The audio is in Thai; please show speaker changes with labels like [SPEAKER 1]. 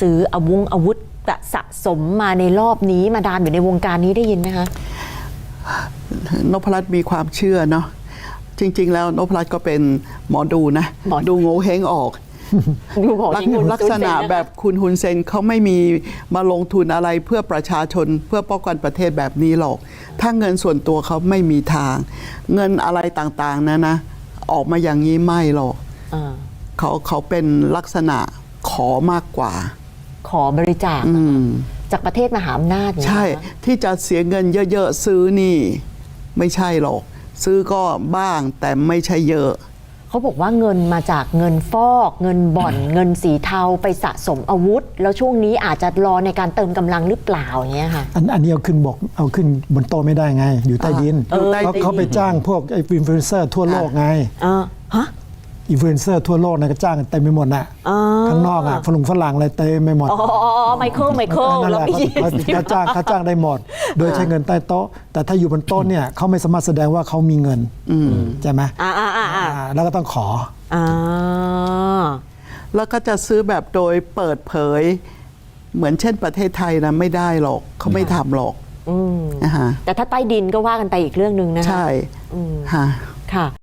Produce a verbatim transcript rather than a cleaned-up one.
[SPEAKER 1] ซื้ออาวุธอาวุธสะสมมาในรอบนี้มาดามอยู่ในวงการนี้ได้ยินไหมคะ
[SPEAKER 2] นพรัตน์มีความเชื่อเนาะจริงๆแล้วนพรัตน์ก็เป็นหมอดูนะดูโง่เฮงออกลักษณะแบบคุณฮุนเซนเขาไม่มีมาลงทุนอะไรเพื่อประชาชนเพื่อป้องกันประเทศแบบนี้หรอกถ้าเงินส่วนตัวเขาไม่มีทาง เงินอะไรต่างๆนะนะออกมาอย่างนี้ไม่หรอกเขาเขาเป็นลักษณะขอมากกว่า
[SPEAKER 1] ขอบริจาคจากประเทศมหาอำนาจ
[SPEAKER 2] ใช่ที่จะเสียเงินเยอะๆซื้อนี่ไม่ใช่หรอกซื้อก็บ้างแต่ไม่ใช่เยอะ
[SPEAKER 1] เขาบอกว่าเงินมาจากเงินฟอกเงินบ่อน เงินสีเทาไปสะสมอาวุธแล้วช่วงนี้อาจจะรอในการเติมกำลังหรือเปล่าอย่างเงี้ยค่ะ
[SPEAKER 3] อันอันนี้เอาขึ้นบอกเอาขึ้นบนโต๊ะไม่ได้ไงอยู่ใต้ดินเขาเขาไปจ้างพวกไอ้อินฟลูเอนเซอร์ทั่วโลกไง
[SPEAKER 1] ฮะ
[SPEAKER 3] อินฟลูเอนเซอร์ทั่วโลกนะก็จ้างกันเต็มไปหมดน่ะข้างนอกอ่ะฝรั่งฝรั่งอะไรเต็มไปหมด
[SPEAKER 1] อ๋อไมเคิลไมเคิล
[SPEAKER 3] แล้วเขาจ้างเขาจ้างได้หมดโดยใช้เงินใต้โต๊ะแต่ถ้าอยู่บนโต๊ะเนี่ยเขาไม่สามารถแสดงว่าเขามีเงินใช่ไหมแล้วก็ต้องขอ
[SPEAKER 2] แล้วก็จะซื้อแบบโดยเปิดเผยเหมือนเช่นประเทศไทยนะไม่ได้หรอกเขาไม่ทำหรอก
[SPEAKER 1] แต่ถ้าใต้ดินก็ว่ากันไปอีกเรื่องนึงนะคะ
[SPEAKER 2] ใช่
[SPEAKER 1] ค่ะ